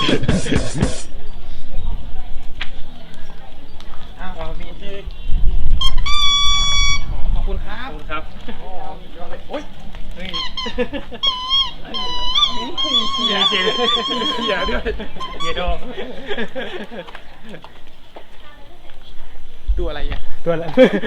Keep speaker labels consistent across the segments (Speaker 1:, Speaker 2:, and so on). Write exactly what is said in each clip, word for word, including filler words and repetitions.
Speaker 1: อ้าวมีทีขอบคุณครับขอบคุณครับโอ้ยเฮ้ยเฮียเฮียเฮียด้วยเฮียโดตัวอะไรอ่ะตัวอะไร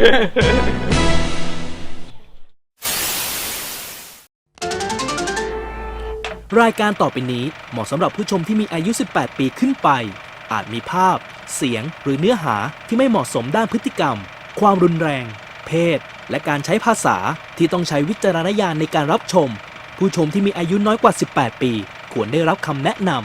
Speaker 2: รายการต่อไปนี้เหมาะสำหรับผู้ชมที่มีอายุ สิบแปด ปีขึ้นไปอาจมีภาพเสียงหรือเนื้อหาที่ไม่เหมาะสมด้านพฤติกรรมความรุนแรงเพศและการใช้ภาษาที่ต้องใช้วิจารณญาณในการรับชมผู้ชมที่มีอายุน้อยกว่า สิบแปด ปีควรได้รับคำแนะนำ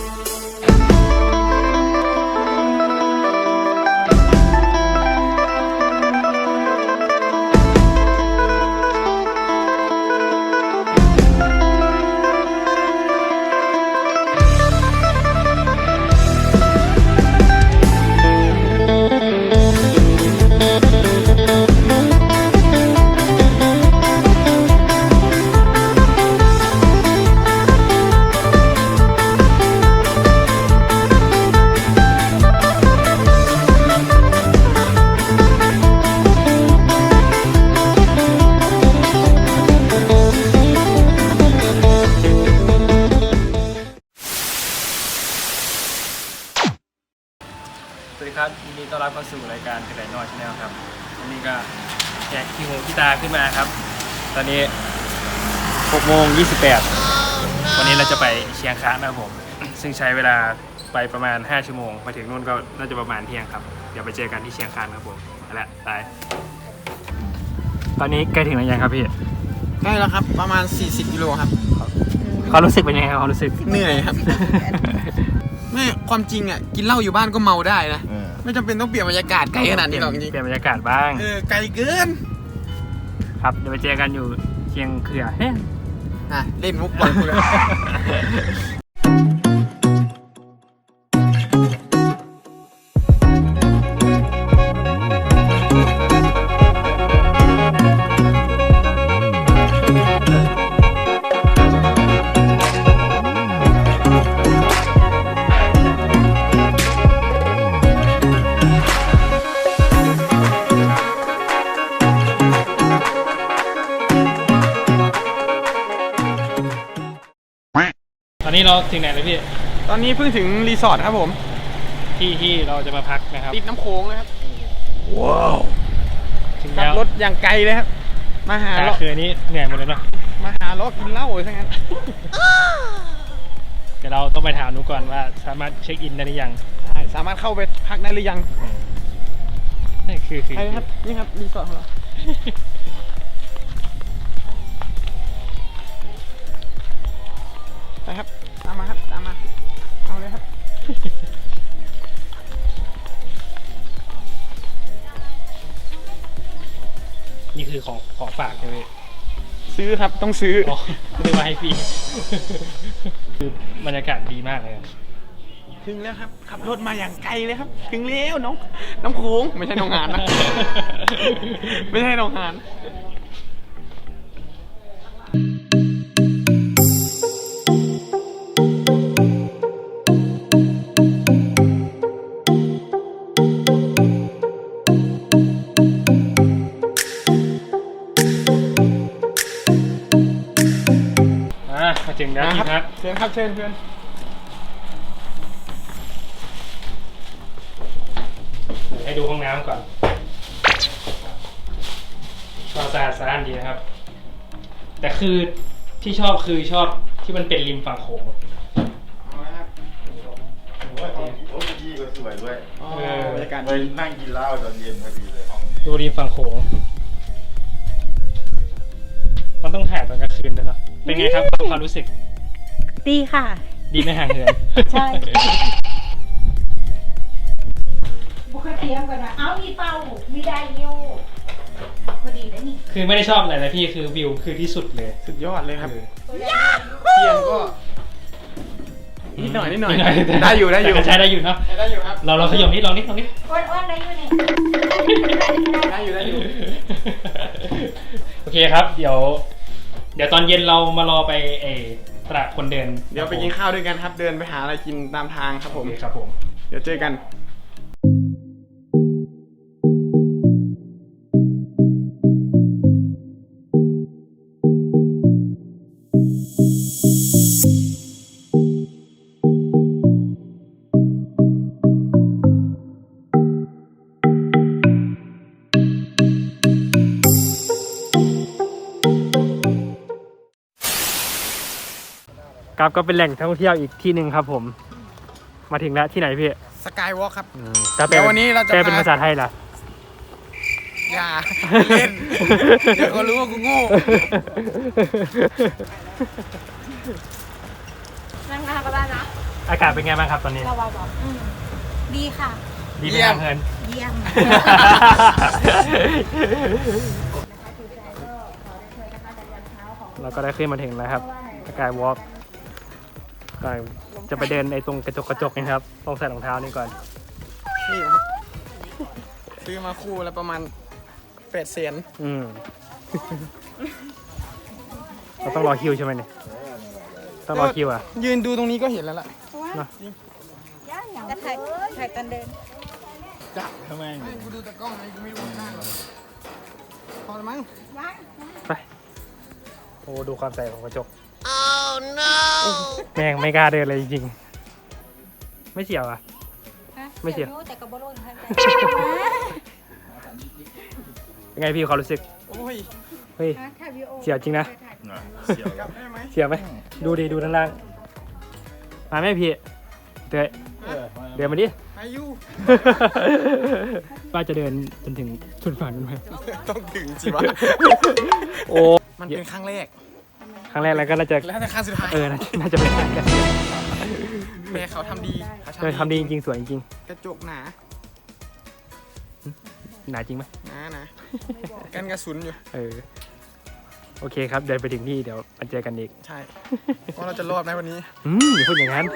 Speaker 1: สวัสดีครับยินดีต้อนรับเข้าสู่รายการกระไดน้อยชาแนลครับวันนี้ก็แจกขี้หูขี้ตาขึ้นมาครับตอนนี้หกโมงยี่สิบแปดวันนี้เราจะไปเชียงคานนะครับผมซึ่งใช้เวลาไปประมาณห้าชั่วโมงไปถึงนู่นก็น่าจะประมาณเที่ยงครับเดี๋ยวไปเจอกันที่เชียงคานครับผมเอาละไปตอนนี้ใกล้ถึงแล้วยังครับพี่
Speaker 3: ใกล้แล้วครับประมาณสี่สิบกิโลครับ
Speaker 1: เขารู้สึกเป็นยังไงครับเขารู้สึก
Speaker 3: เหนื่อยครับไม่ความจริงอ่ะกินเหล้าอยู่บ้านก็เมาได้นะไม่จำเป็นต้องเปลี่ยนบรรยากาศไกลขนาดนี้หรอกจริง
Speaker 1: เปลี่ยนบรรยากาศบ้าง
Speaker 3: เออไกลเกิน
Speaker 1: ครับเดี๋ยวไปเจอกันอยู่เชียงเขื่อเฮ้ย
Speaker 3: อ่ะเล่นมุกบอลกูเลย
Speaker 1: ตอนนี้เราถึงไหนเลยพี่
Speaker 3: ตอนนี้เพิ่งถึงรีสอร์ทครับผม
Speaker 1: ที่ที่เราจะมาพักนะครับ
Speaker 3: ติดน้ำโขงเลยครับ
Speaker 1: ว้าวถึง
Speaker 3: แล้วรถอย่างไกลเลยครับมาหา
Speaker 1: เราคืนนี้เหนื่อยหมดเลยเนาะ
Speaker 3: มาหาล้อกินเหล้าเลยทั้งนั้น
Speaker 1: เดี๋ยวเราต้องไปถามนุก่อนว่าสามารถเช็คอินได้หรือยัง
Speaker 3: สามารถเข้าไปพักได้หรือยัง
Speaker 1: นี่คือคือ
Speaker 3: ใช่ครับนี่ครับรีสอร์ทของเราไปครับตามมาครับตามมาเอาเลยครับ
Speaker 1: นี่คือของของฝากใช่ไหม
Speaker 3: ซื้อครับต้องซื้อ
Speaker 1: ซื้อมาให้ฟรีคือบรรยากาศดีมากเลย
Speaker 3: ถึงแล้วครับขับรถมาอย่างไกลเลยครับถึงแล้วน้องน้ำโขงไม่ใช่น้องหานนะไม่ใช่น้องหาน
Speaker 1: มาถึงแล้วที่พัก
Speaker 3: เชิญครับเชิญเพื่อน
Speaker 1: ให้ดูห้องน้ำก่อนก็สะอาดสะอ้านดีนะครับแต่คือที่ชอบคือชอบที่มันเป็นริมฝั่งโขง
Speaker 4: โอ้ยดีก็สวยด้วย
Speaker 3: บรรยากาศ
Speaker 4: ไปนั่งกินเหล้าตอนเย็นพอดีเลย
Speaker 1: ดูริมฝั่งโขงมันต้องถ่ายตอนกลางคืนด้วยเนาะเป็นไงครับความรู้สึก
Speaker 5: ดีค่ะ
Speaker 1: ดีไม่ห่างเหิน
Speaker 5: ใช่บุคเทียมกันนะเอามีเป้ามีไดโยพอดีแล้วนี่
Speaker 1: คือไม่ได้ชอบอะไรนะพี่คือวิวคือที่สุดเลย
Speaker 3: สุดยอดเลยครับเทียมก็นิดหน่อยนิดหน่อยได้อยู่ได้อยู่
Speaker 1: ใช้ได้อยู่เนาะ
Speaker 3: ได้อยู่ครับ
Speaker 1: เราเราขยมนิดลองนิดลองนิด
Speaker 5: อ้วนๆได้อยู่นี่
Speaker 3: ได้อยู่ได้อยู่
Speaker 1: โอเคครับเดี๋ยวเดี๋ยวตอนเย็นเรามารอไปเอตลาดคนเดิน
Speaker 3: เดี๋ยวไปกินข้าวด้วยกันครับ เดินไปหาอะไรกินตามทางครับผ
Speaker 1: โอ
Speaker 3: ม
Speaker 1: เคครับผม
Speaker 3: เดี๋ยวเจอกัน
Speaker 1: ครับก็เป็นแหล่งท่องเที่ยวอีกที่หนึ่งครับผม มาถึงแล้วที่ไหนพี่
Speaker 3: สกายวอล์กครับ
Speaker 1: จะแปล
Speaker 3: เดี๋ยววันนี้เราจะ
Speaker 1: แปลเป็น
Speaker 3: พา
Speaker 1: ภาษาไทยล่ะ
Speaker 3: อย่าเล่น เดี๋ยวเขารู้ว่ากูโง่
Speaker 5: นั่งหน้าก็ได้นะ
Speaker 1: อากาศเป็นไงบ้างครับตอนนี้
Speaker 5: เราบอกอืมดีค่ะ
Speaker 1: ดีไหม
Speaker 3: เยี่ย
Speaker 1: ครั
Speaker 3: ม
Speaker 1: บเพื่อน
Speaker 5: เยี่ยม
Speaker 1: เราก็ได้ขึ้นมาถึงแล้วครับสกายวอล์กก็จะไปเดินในตรงกระจกกระจกนะครับต้องใส่รองเท้านี่ก่อน
Speaker 3: นี่ครับซื้อมาคู่แล้วประมาณแปดเซน
Speaker 1: อืม เราต้องรอคิวใช่ไหมเนี่ยต้องรอคิวอ่ะ
Speaker 3: ยืนดูตรงนี้ก็เห็นแล้วล่ะ
Speaker 1: เนอะ
Speaker 5: จะถ่ายถ่ายตอนเดิน
Speaker 3: จับทำไมกูดูแต่กล้องไงกูไม่ดูหน้าหรอกพอแล้วมั้ง
Speaker 1: ไปโอ้ดูความใสของกระจก oh no แม่งไม่กล้าเดินเลยจริงๆไม่เสียวอ่ะ ไม่เสีย
Speaker 5: แต่กระโบโลนให้
Speaker 1: เป็นไงพี่ความรู้สึก
Speaker 3: โอ้ย
Speaker 1: เฮ้ย
Speaker 5: ถ่ายวิดีโอ
Speaker 1: เสียวจริงนะ
Speaker 4: เสียว
Speaker 3: กลับได้ไหม
Speaker 1: เสียวไหมดูดิดูด้านล่างมาไหมพี่เตยเดินมาดิ
Speaker 3: อายุ
Speaker 1: ป้าจะเดินจนถึงสุดฝั่งนู้นไหม
Speaker 3: ต้องถึงสิวะ
Speaker 1: โอ้
Speaker 3: มันเป็นครั้งแรก
Speaker 1: ครั้งแรกแล้วก็น่าจะ
Speaker 3: แล้วแต่ครั้งสุดท้าย
Speaker 1: เออน่าน่าจะเป็นการกัน
Speaker 3: แม่เขาทำดีเขา
Speaker 1: เออทำดีจริงๆสวยจริง
Speaker 3: กระจกหนา
Speaker 1: ๆหนาจริงไหม
Speaker 3: หนาหนากันกระสุนอยู่
Speaker 1: เออโอเคครับเดินไปถึงที่เดี๋ยวมาเจอกันอีก
Speaker 3: ใช่ว่าเราจะรอดไหมวันนี้
Speaker 1: อืมอย่าพูดอย่างนั้น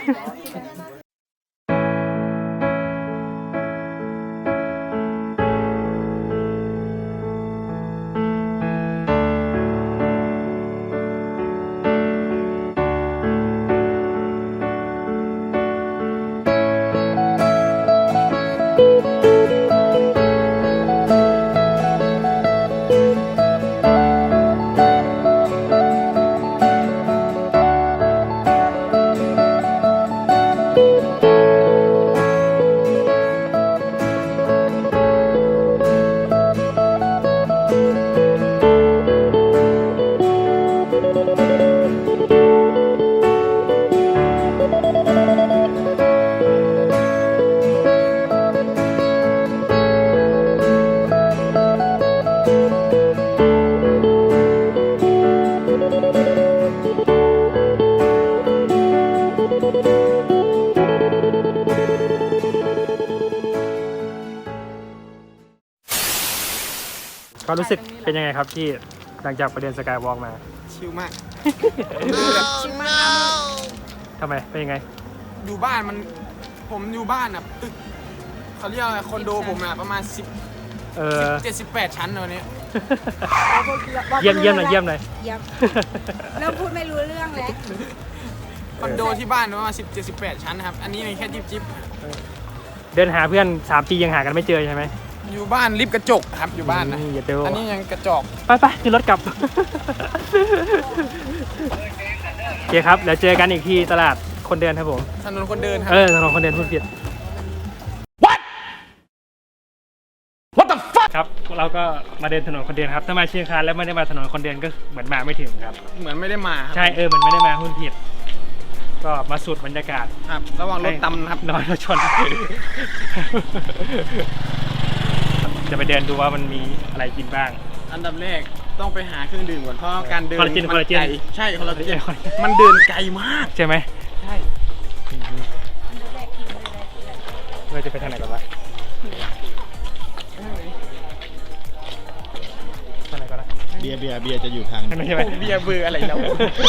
Speaker 1: ความรู้สึกเป็นยังไงครับที่หลังจากไปเดินสกายวอล์กมา
Speaker 3: ชิลมาก
Speaker 5: ชิมมาก
Speaker 1: ทำไมเป็นยังไง
Speaker 3: อยู่บ้านมันผมอยู่บ้านอ่ะตึกเขาเรียกอะไรคอนโดผมอ่ะประมาณสิบ
Speaker 1: เออ
Speaker 3: เจ็ดสิบแปดชั้นวันนี้
Speaker 1: เยี่ยมเยี่ยมหน่อยเยี่ยมหน่อย
Speaker 5: เยี่ยมเริ่มพูดไม่รู้เรื่องแล้ว
Speaker 3: คอนโดที่บ้านประมาณสิบเจ็ดสิบแปดชั้นนะครับอันนี้ในแค่จิบจิบ
Speaker 1: เดินหาเพื่อนสามปียังหากันไม่เจอใช่ไหม
Speaker 3: อยู่บ้านลิฟต์กระจกครับอยู่บ้านนะ
Speaker 1: อืมอย่าเจอ
Speaker 3: อันนี้ยังกระจก
Speaker 1: ไปไปขึ้นรถกลับ โอเคครับเดี๋ยวเจอกันอีกที่ตลาดคนเดินครับผม
Speaker 3: ถนนคนเดินครั
Speaker 1: เออถนนคนเดินพูดผิด What What the fuck ครับเราก็มาเดินถนนคนเดินครับถ้ามาเชียงคานแล้วไม่ได้มาถนนคนเดินก็เหมือนมาไม่ถึงครับ
Speaker 3: เหมือนไม่ได้มาครับ
Speaker 1: ใช่เออมันไม่ได้มาพูดผิด ก็มาสูดบรรยากาศ
Speaker 3: ครับระวังรถตำนะครับ
Speaker 1: นอนรถชน จะไปเดินดูว่ามันมีอะไรกินบ้าง
Speaker 3: อันดับแรกต้องไปหาเครื่องดื่มก่อนเพราะการเดิน
Speaker 1: คอลลาเจน
Speaker 3: มั
Speaker 1: คอลลาเจน
Speaker 3: ไกใช่คอลลาเจน
Speaker 1: คอลลาเจน
Speaker 3: มันเดินไกลมาก
Speaker 1: ใช่ไหม
Speaker 3: ใช่
Speaker 1: เราจะไปทางไหนกันวะทางไหนกันนะ
Speaker 4: เบียร์เบียร์เบียร์จะอยู่ทาง
Speaker 1: ทางไหนใช่ไหม
Speaker 3: เบียร์เบอร์อะไรแล้ว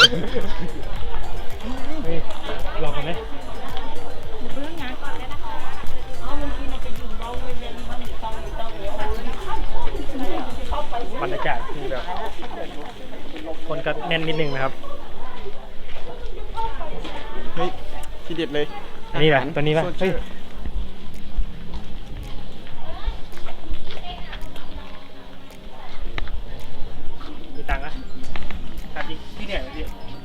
Speaker 1: เฮ้ยลองกันไหมบรรยากาศคือแบบคนก็แน่นนิดนึงนะครับ
Speaker 3: เด็ดเลย
Speaker 1: อันนี้แหละตัวนี้ป่ะ
Speaker 3: โซ
Speaker 1: เฮ้
Speaker 3: เช
Speaker 1: ย
Speaker 3: อร์
Speaker 1: มีตังค์นะถามจริงพี่เหนื่อยไหมพี่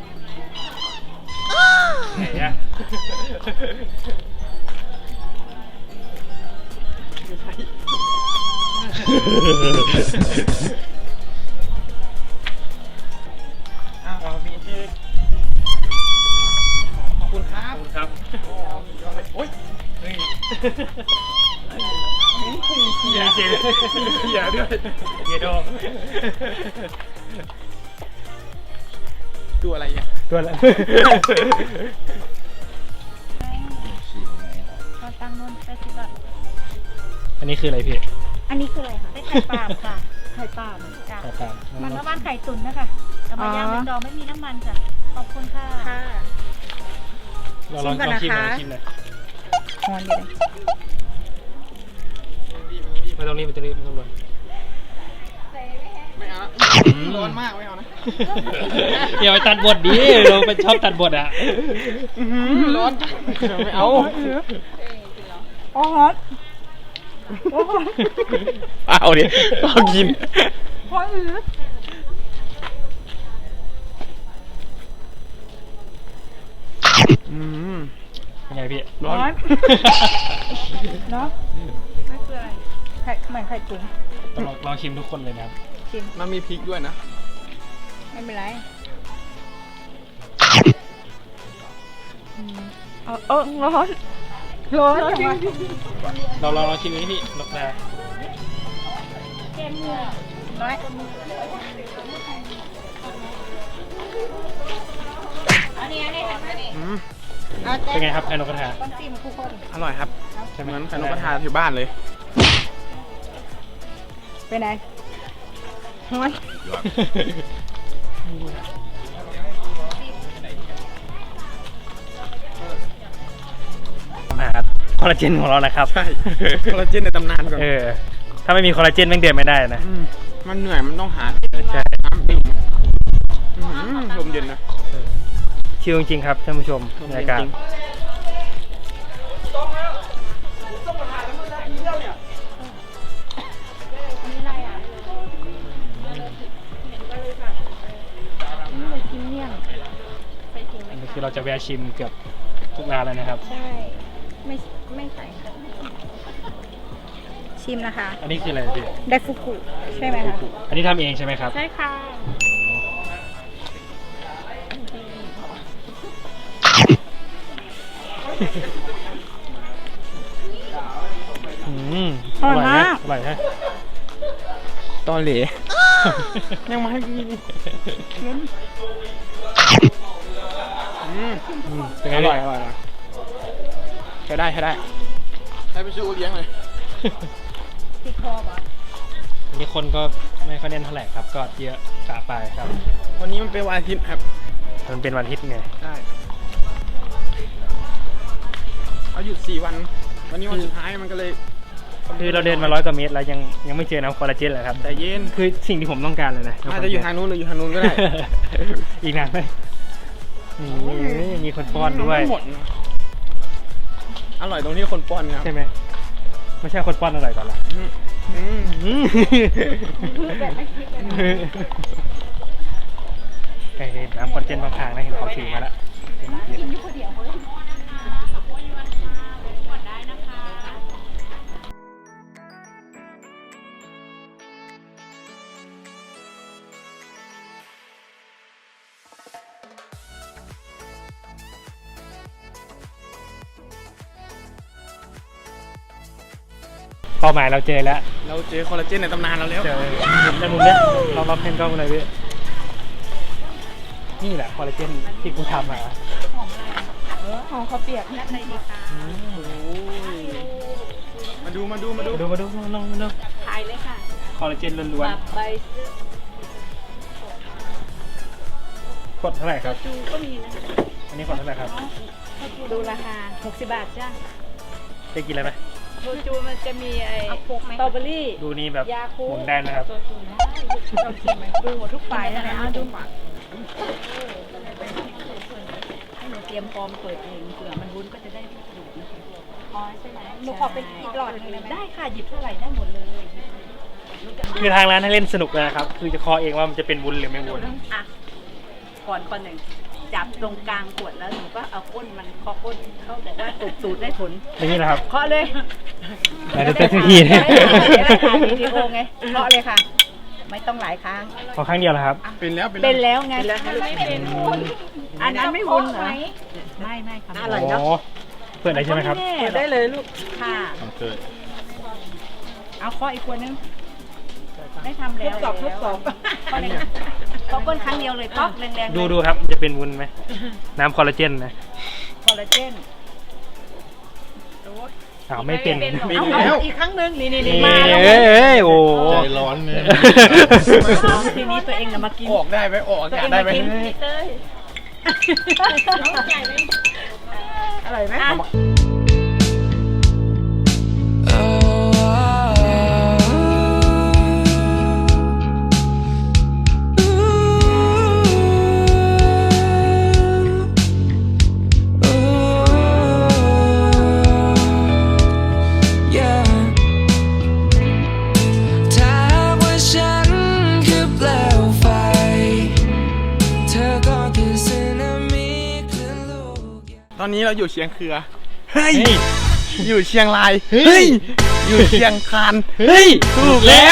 Speaker 1: เหนื่อยอะเอาพี่ที่
Speaker 3: ขอบคุณครั
Speaker 1: ขอ
Speaker 3: บบ
Speaker 1: คุณครับ
Speaker 3: โอ้ย
Speaker 1: เฮ้ยเหี้ยเจ๋งเหี้ยด้วยเหี้ยโดง
Speaker 3: ตัวอะไรเนี่ย
Speaker 1: ตัวอะไร
Speaker 5: เอาตังค์นนแปดสิบบาท
Speaker 1: อันนี้คืออะไรพี่
Speaker 5: อันนี้คืออะไรคะเป็นไข่ปลาล์มค่ะ ไข่ปลาล์มจ้ะ
Speaker 1: ตาตาม
Speaker 5: มันน้ำมันไข่ตุ๋นนะคะเอามาย่างเป็นดองไม่มีน้ำมันจ้ะขอบคุณค่ะค่ะ
Speaker 1: เราลองลองชิมหน่อยลองชิมหน่อย
Speaker 5: หอนอยู่เลย
Speaker 1: ไม่ต้องรีบไม่ต้องรีบไม่ต้องรวน
Speaker 3: ไม่เอาละร้อนมากไม่เอานะ
Speaker 1: อย่าไปตัดบทดิเราเป็นชอบตัดบทอ่ะ
Speaker 3: อื้อหือร้อนจังไม่เอา
Speaker 5: อ๋อฮอต
Speaker 3: เอาดิเอากิน
Speaker 5: ฮอตอือ
Speaker 3: อืม
Speaker 1: เป็นไงพี่
Speaker 3: ร้อน
Speaker 5: เนาะไม่คืออะไรไข่เหมือนไข่ตุ๋น
Speaker 1: ต้องลองลองชิมทุกคนเลยนะครับ
Speaker 5: ชิม
Speaker 3: มันมีพริกด้วยนะ
Speaker 5: ไม่เป็นไรเออเออร้อนร้อนจังวะ
Speaker 1: เราลองลองชิมนี้พี่นกนา
Speaker 5: เกมมือน้อยอันนี้อันนี้อันนี้
Speaker 3: อืม
Speaker 1: เป็นไงครับไอ้นกกระทา
Speaker 5: ต้องจิ้มคู่คน
Speaker 3: อร่อยครับ
Speaker 1: ใช่ไหม
Speaker 3: เหมือนไข่นกกระทาที่บ้านเลย
Speaker 5: เป็นไงร้อน
Speaker 1: มาคอลลาเจนของเรานะครับ
Speaker 3: ใช่คอลลาเจนในตำนานก่อน
Speaker 1: เออถ้าไม่มีคอลลาเจนแม่งเดินไม่ได้นะ
Speaker 3: มมันเหนื่อยมันต้องหา
Speaker 1: ใช่
Speaker 3: น้ำดื่มอื้อหือลมเย็นนะ
Speaker 1: ชิลจริงๆครับท่านผู้ชมบรรยากาศ
Speaker 3: จริง
Speaker 5: อันนี้อะไรอ่ะนี่เลยกินเมี่ยงไปกินไหม
Speaker 1: อันนี้คือเราจะแวะชิมเกือบทุกร้านเลยนะครับ
Speaker 5: ใช่ ไม่ไม่ใส่ค่ะชิมนะคะ
Speaker 1: อันนี้คืออะไรพี่
Speaker 5: ไดฟุกุใช่ไหมคะ
Speaker 1: อันนี้ทำเองใช่ไหมครับ
Speaker 5: ใช่ค่ะ
Speaker 1: อืม
Speaker 5: อร่อยมาก
Speaker 1: อร่อยนะ
Speaker 3: ตอนเหลยังมาให้กินอืม
Speaker 1: อืมเป็นไง
Speaker 3: อ
Speaker 1: พี่
Speaker 3: ร่อยอร่อยอร่อยใช้ได้ใช้ได้ใช้ไปชูเลี้ยงเลย
Speaker 5: ติดคอเหรอ
Speaker 1: อันนี้คนก็ไม่ค่อยเน้นเท่าไหร่ครับ ก็เยอะกะไปครับ
Speaker 3: วันนี้มันเป็นวันอาทิตย์ครับ
Speaker 1: มันเป็นวันอาทิตย์ไง
Speaker 3: ได้เอาหยุดสี่วัน วันนี้วันสุดท้ายมันก็เลย
Speaker 1: คือเราเดินมาร้อยกว่าเมตรแล้วยังยังไม่เจอน้ำคอลลาเจนเลยครับ
Speaker 3: แต่เย็น
Speaker 1: คือสิ่งที่ผมต้องการเลยนะ
Speaker 3: อาจจะอยู่ทางนู้นหรืออยู่ทางนู้นก็ได้
Speaker 1: อีกนานไหมนี่มีคนป้อนด้วย
Speaker 3: หมดนะอร่อยตรงที่คนป้อนครับ
Speaker 1: ใช่ไหมไม่ใช่คนป้อนอร่อยกว่าหรอ
Speaker 3: อืมอืม
Speaker 5: แบบไม่คิดเลยนะ
Speaker 1: ไก่น้ำคอลลาเจนบางทางนะเห็นเขาถือมาแล้ว
Speaker 5: กินอยู่คนเดียวเฮ้ย
Speaker 1: เป้าหมายเราเจอแล้ว
Speaker 3: เราเจอคอลลาเจนในตำนานเราแล้ว
Speaker 1: เจอเห็นในมุมเนี้ยลองลองเพนกล้องเลยพี่นี่แหละคอลลาเจนที่กูทำมา
Speaker 5: หอมข้าวเปียกนัดในดีค่ะ
Speaker 3: มาดูมาดูมาดู
Speaker 1: มาดูมาดูมาลองมาดู
Speaker 5: ถ่ายเลยค่ะ
Speaker 1: คอลลาเจนล้วน
Speaker 5: แบบใบซื้อ
Speaker 1: ๆขวดเท่าไหร่ครับ
Speaker 5: จูก็มีนะ
Speaker 1: อันนี้ขวดเท่าไหร่ครับ
Speaker 5: ดูราคาหกสิบบาทจ้า
Speaker 1: ได้กินอะไรไหม
Speaker 5: โชจูมันจะมีไอ้สตรอเบอรี่
Speaker 1: ดูนี่แบบ
Speaker 5: ยาคู
Speaker 1: หมุนได้นะครับ
Speaker 5: เราชิมไหมดูหมดทุกฝ่ายนะเอาดูให้หนูเตรียมพร้อมเปิดเองเผื่อมันวุ้นก็จะได้ลูกดูดนะคะ
Speaker 6: อ๋อใช่ไหมหนูขอเป็นอีกหลอดหนึงได้ไหม
Speaker 5: ได้ค่ะหยิบเท่าไหร่ได้หมดเลย
Speaker 1: คือทางร้านให้เล่นสนุกเลยนะครับ คือจะเคอเองว่ามันจะเป็นวุ้นหรือไม่วุ้น
Speaker 5: อ่ะก่อนก่อนหนึ่งจับตรงกลางขวดแล้วหนูก็เอาก้นมันเคาะก้นเขาบอกว่าสูบสูดได้ผล
Speaker 1: อย่างนี้นะครับ
Speaker 5: เคาะเลย
Speaker 1: ไหนจะเต้นสักที
Speaker 5: เดี๋ยวได้ถ่ายวิดีโอไงเคาะเลยค่ะ ไม่ต้องหลายครั้ง
Speaker 1: ขอครั้งเดียวนะครับ
Speaker 3: เป็นแล้วเป็น
Speaker 5: เป็นแล้วไง
Speaker 6: เป็นวุ้น
Speaker 5: อันนั้นไม่วุ้นเหรอ
Speaker 6: ไหม
Speaker 5: ไม่ไม่ค่ะ
Speaker 1: อร่อยเนาะเปิดได้ใช่ไหมครับ
Speaker 5: เปิดได้เลยลูกค่ะ
Speaker 4: ต้องเกิด
Speaker 5: เอาเคาะอีกขวดนึงได้ทำแล้วทุบกรอบทุบกรอบเคาะก้นครั้งเดียวเลยป๊อกแรงๆ
Speaker 1: ดูดูครับจะเป็นวุ้นไหมน้ำคอลลาเจนนะ
Speaker 5: คอลลาเจน
Speaker 1: อ้าวไม่เป็น
Speaker 5: เอาเอาอีกครั้งหนึ่งนี่นี่นี่
Speaker 1: เอ้
Speaker 5: มาแล้ว
Speaker 1: ยเอ้ยโอ้
Speaker 4: ใจร้อนเนี่ย
Speaker 5: ทีนี้ตัวเองน่ะมากิน
Speaker 3: ออกได้ไหมออกอากาศได้ไหม
Speaker 5: เต้ยอร่อยไหม
Speaker 7: ถ้าว่าฉันคือเปลวไฟ เธอก็คือสึนามิคลื่นลูก
Speaker 3: ตอนนี้เราอยู่เชียงเคือเฮ้ย
Speaker 1: เฮ้ย
Speaker 3: อยู่เชียงราย
Speaker 1: เฮ้ย
Speaker 3: อยู่เชียงคาน
Speaker 1: เฮ้ยถูกแล้ว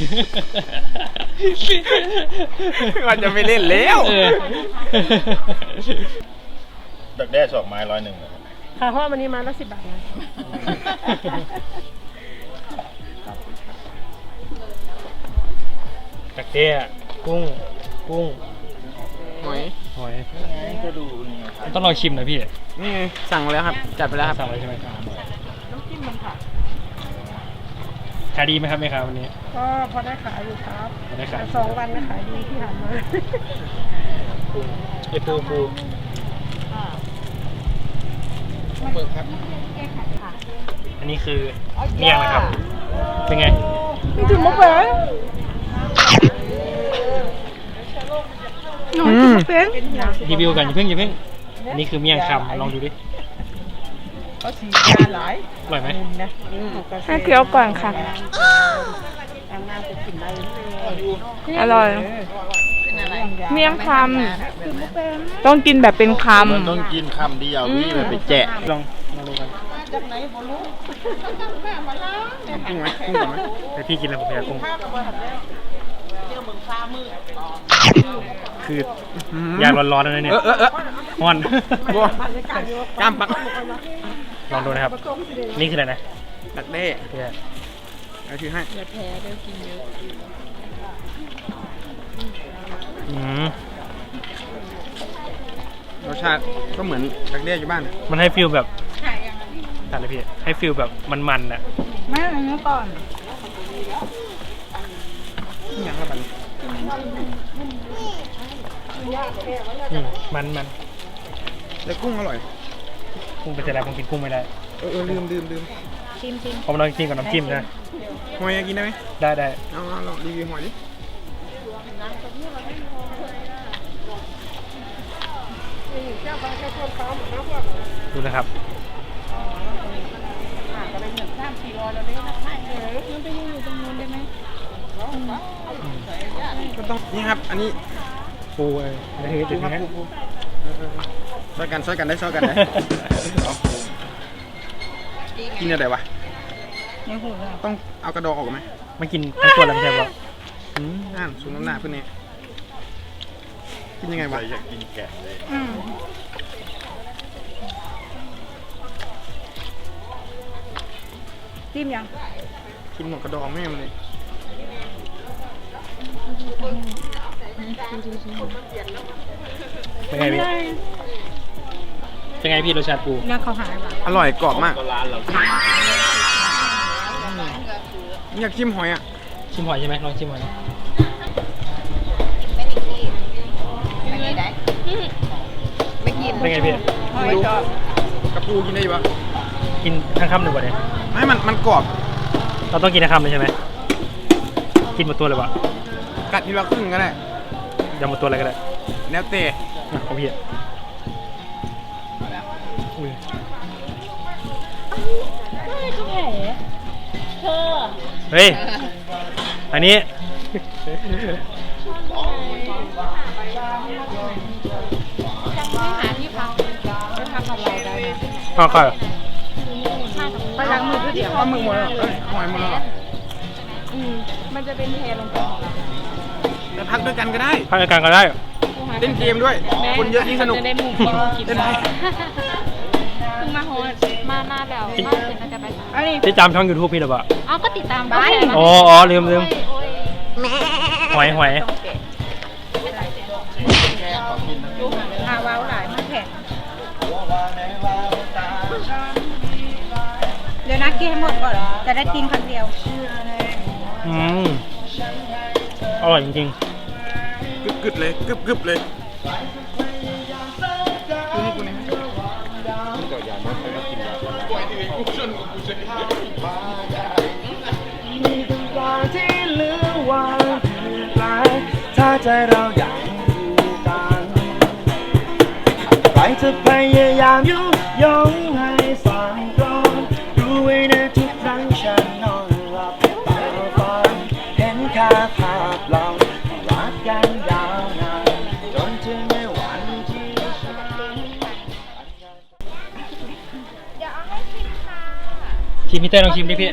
Speaker 3: มันจะไม่เล่นแล้ว
Speaker 1: เออ
Speaker 4: ดักแด้สองไม้ร้อยหนึ่งนะครับ
Speaker 6: ค่ะเพราะวันนี้มาละสิบบาทนะ
Speaker 1: ตะเกียกุ้ง กุ้ง
Speaker 3: หอย
Speaker 1: หอย
Speaker 4: ก็ดูนี่ครับ
Speaker 1: ต้องลองชิมหน่อยพี่
Speaker 3: นี่ไงสั่งมาแล้วครับ จัดไปแล้วครับ
Speaker 1: สั่งเลยใช่ไหมครับขายดีไหมครับแม่ค้าวันนี้
Speaker 6: ก็พอได้ขายอยู่ครับ
Speaker 1: พอได้ขาย
Speaker 6: แต่สองวันนะขายดีที่ผ่านมา
Speaker 1: ไอ้ปูปู
Speaker 3: เปิดครับ
Speaker 1: อันนี้คือเมี่ยงนะครับ เป็นไง
Speaker 6: ถึงมุกเลย
Speaker 3: อืม
Speaker 6: เป็น
Speaker 1: รีวิวกันอย่าเพิ่งอย่าเพิ่ง อันนี้คือเมี่ยงคำลองดูดิ
Speaker 6: เขาสีจานหลาย
Speaker 1: อร่อยไหม
Speaker 6: ให้เคี้ยวก่อนค่ะ อร่อย เมี่ยงคำต้องกินแบบเป็นค
Speaker 4: มันต้องกินคำเดียวพี่มันไปแจะ
Speaker 1: ลองลองดูกัน
Speaker 3: กุ้งไหมกุ้งก่อนไหม
Speaker 1: แต่พี่กินแล้วผมอยากกุ้งคืออยากร้อนๆแล้วนะเนี่ย
Speaker 3: เออเออเออ
Speaker 1: ฮ้อน
Speaker 3: บัวกล้ามปัก
Speaker 1: ลองดูนะครับ นี่คืออะไรนะ
Speaker 3: ดักแด้
Speaker 1: เพื่อ
Speaker 3: เอาถือให้
Speaker 1: อืม
Speaker 3: รสชาติก็เหมือนดักแด้อยู่บ้าน
Speaker 1: มันให้ฟิลแบบตัดเลยพี่ ให้ฟิลแบบมันๆน่ะ
Speaker 6: ำไม่อันนี้ก่อน
Speaker 3: นี่อย่างละบัน
Speaker 1: อืมมันมัน
Speaker 3: แต่กุ้งอร่อย
Speaker 1: กุ้งเป็นอะไรผมกินกุ้งไม่ได้
Speaker 3: เออเออลืมลืมลืม
Speaker 5: ชิมชิม
Speaker 1: ผมลองกินกับน้ำจิ้มนะ
Speaker 3: หอยกินได้ไหม
Speaker 1: ได้ได้
Speaker 3: เอาเอาลองรีวิวหอยดิ
Speaker 1: ดูนะครับ
Speaker 3: ก็ต้องนี่ครับ อันนี้
Speaker 1: ปูเอ้ยนี่คือจุด
Speaker 3: ครับ
Speaker 1: นี้
Speaker 3: ปูปูเออเออเออช่วยกันช่วยกันได้ช่วยกันได้เอากินอะไรวะต้องเอากระดองออกไหม
Speaker 1: มันกินทั้งตัวแล้วไม่ใช่ปะ
Speaker 3: อืมอ่านสูงน้ำหนักเพื่อนเนี่ยกินยังไงวะ
Speaker 4: ใครอยากกินแกะเลย
Speaker 5: จิ้มยัง
Speaker 3: กินหมดกระดองแม่มันเลย
Speaker 1: เป็นไงพี่ เป็นไงพี่รสชาติปู
Speaker 6: เนี่ยเขาหายว่ะ
Speaker 3: อร่อยกรอบมาก
Speaker 4: ก็ร้านเรา
Speaker 3: อยากชิมหอยอ่ะ
Speaker 1: ชิมหอยใช่ไหมลองชิมหอยนะ
Speaker 5: ไม่กิน
Speaker 1: เป็นไงพี่
Speaker 3: ไม่รู้กระปูกินได้อยู่ปะ
Speaker 1: กินทั้งคำหนึ่งกว่าเนี่ย
Speaker 3: ไม่มันมันกรอบ
Speaker 1: เราต้องกินทั้งคำเลยใช่ไหมกินหมดตัวเลยวะ
Speaker 3: กัดทีละครึ่งก็ได้
Speaker 1: ยำหมดตัวอะไรก็ได้
Speaker 3: แล้วแต่
Speaker 1: อ่ะของพี่อ่ะอุ้ยเฮ้ย อันนี้ ข้าวไข่
Speaker 5: ไปล้างมือเพื่อเดี๋ยว
Speaker 3: ปลาหมึกหมดแล้วเอ้ยหอยหมดแล้ว
Speaker 6: อืมมันจะเป็นเทลงไป
Speaker 3: ไปพักด้วยกันก็ได้
Speaker 1: พักกันก็ได้
Speaker 3: เล่นเกมด้วย คนเยอะยิ่งสนุก
Speaker 6: จะได้หมู่กินกิน
Speaker 3: เล่นไป
Speaker 6: เพิ่งมาโฮสมาหน้าแบบมาเสร็จแล้วจะไป
Speaker 5: อันนี้
Speaker 1: ที่จำช่องยูทูบพี่หรือเปล่า
Speaker 6: เอาก็ติดตามบ้าน
Speaker 1: อ๋ออ๋อลืมลืมหอยหอย
Speaker 5: อาวาวหลายมากแข็งเดี๋ยวนะกินให้หมดก่อน จะได้กินครั้งเดียว
Speaker 1: อืมอร่อยจริง
Speaker 3: กึบกึบเลยกึบกึบเลยกูนี่กูนี่ก็อย่ามาไปกินยาปล่อยที่กูชนกูชนมีตรงกลางที่เหลือวางปลายถ้าใจเราอยากอยู่กันใครจะพยายามยุยงให้สั่งตรงรู้ไว้นะทุกครั้งฉันนอนหลับตาฝันเห็นแค่ภาพเรารักกันยาวนานจนถึงในวันที่ฉัน
Speaker 1: ๆชิมพี่เต้ลองชิมดิพี่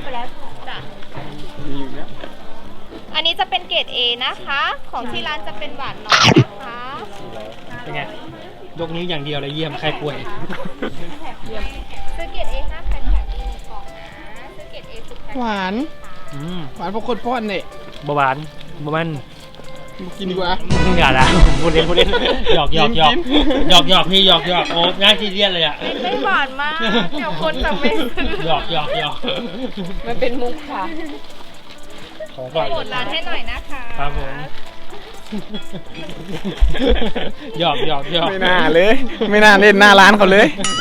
Speaker 8: อันนี้จะเป็นเกรด A นะคะ ของที่ร้านจะเป็นหวานน้อยนะคะ
Speaker 1: เป็นไง ยกนิ้วอย่างเดียวเลยเยี่ยมใครป่วย
Speaker 8: ซื้อเกรด A ห้าแผ่นแถมอีกหนึ่งกล่องนะซื้อเกรด A สิบแผ่น
Speaker 3: หวาน
Speaker 1: อืม
Speaker 3: หวานพวกคนป้อนเนี่ย
Speaker 1: บหวานบมัน
Speaker 3: กินดีกว่า
Speaker 1: อย่าละพูดเล่นพูดเล่นหยอกหยอกหยอก
Speaker 3: กิน
Speaker 1: หยอกหยอกพี่หยอกหยอกโอ้ง่ายที่เรียนเลยอ่ะ
Speaker 8: ไม่หวานมาก เดี๋ยวคนจะไม่ซื้อ
Speaker 1: หยอกหยอกหยอก
Speaker 6: มันเป็นมุกค่ะ
Speaker 1: ของก่อน
Speaker 8: โปรดร้านให้หน่อยนะคะ
Speaker 1: ครับผมหยอกหยอกหยอก
Speaker 3: ไม่น่าเลย ไม่น่าเล่นหน้าร้านเขาเลย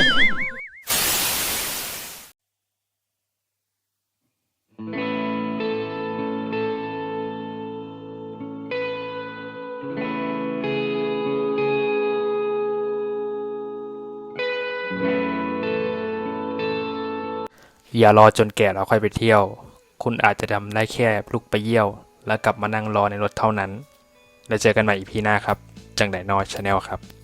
Speaker 1: อย่ารอจนแก่แล้วค่อยไปเที่ยว คุณอาจจะทำได้แค่ลุกไปเยี่ยว แล้วกลับมานั่งรอในรถเท่านั้น แล้วเจอกันใหม่อีพีหน้าครับ จังไดนอชาแนลครับ